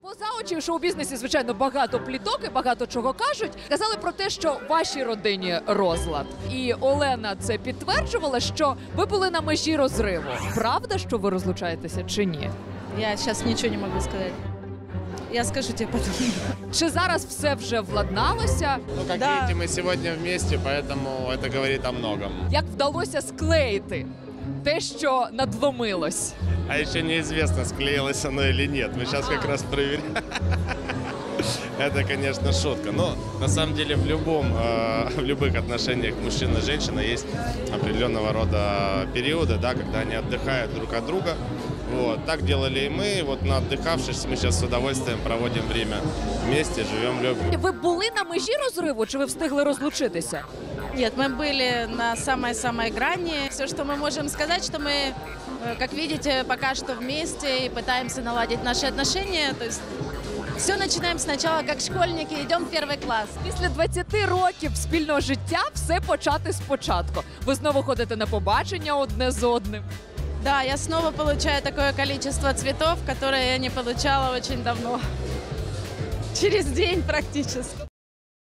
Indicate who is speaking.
Speaker 1: Поза очі в шоу-бізнесі, звичайно, багато пліток і багато чого кажуть. Казали про те, що в вашій родині розлад. І Олена це підтверджувала, що ви були на межі розриву. Правда, що ви розлучаєтеся чи ні?
Speaker 2: Я сейчас ничего не могу сказать. Я скажу тебе потом.
Speaker 1: Чи зараз все вже владналося?
Speaker 3: Ну, как
Speaker 2: Да.
Speaker 3: видите, мы сегодня вместе, поэтому это говорит о многом.
Speaker 1: Як вдалося склеїти те, що надломилось?
Speaker 3: А еще неизвестно, склеилось оно или нет. Мы сейчас как раз проверяем. Это, конечно, шутка. Но на самом деле в любых отношениях мужчина и женщина есть определенного рода периоды, да, когда они отдыхают друг от друга. Вот. Так делали и мы. Вот на отдыхавшись, мы сейчас с удовольствием проводим время вместе, живем, любим.
Speaker 1: Ви були на межі розриву, чи ви встигли розлучитися?
Speaker 2: Нет, мы были на самой-самой грани. Все, что мы можем сказать, что мы, как видите, пока что вместе и пытаемся наладить наши отношения. То есть все начинаем сначала как школьники, идем в первый класс.
Speaker 1: Після 20 років спільного життя все почати спочатку. Ви знову ходите на побачення одне з одним.
Speaker 2: Да, я снова получаю такое количество цветов, которое я не получала очень давно. Через день практически.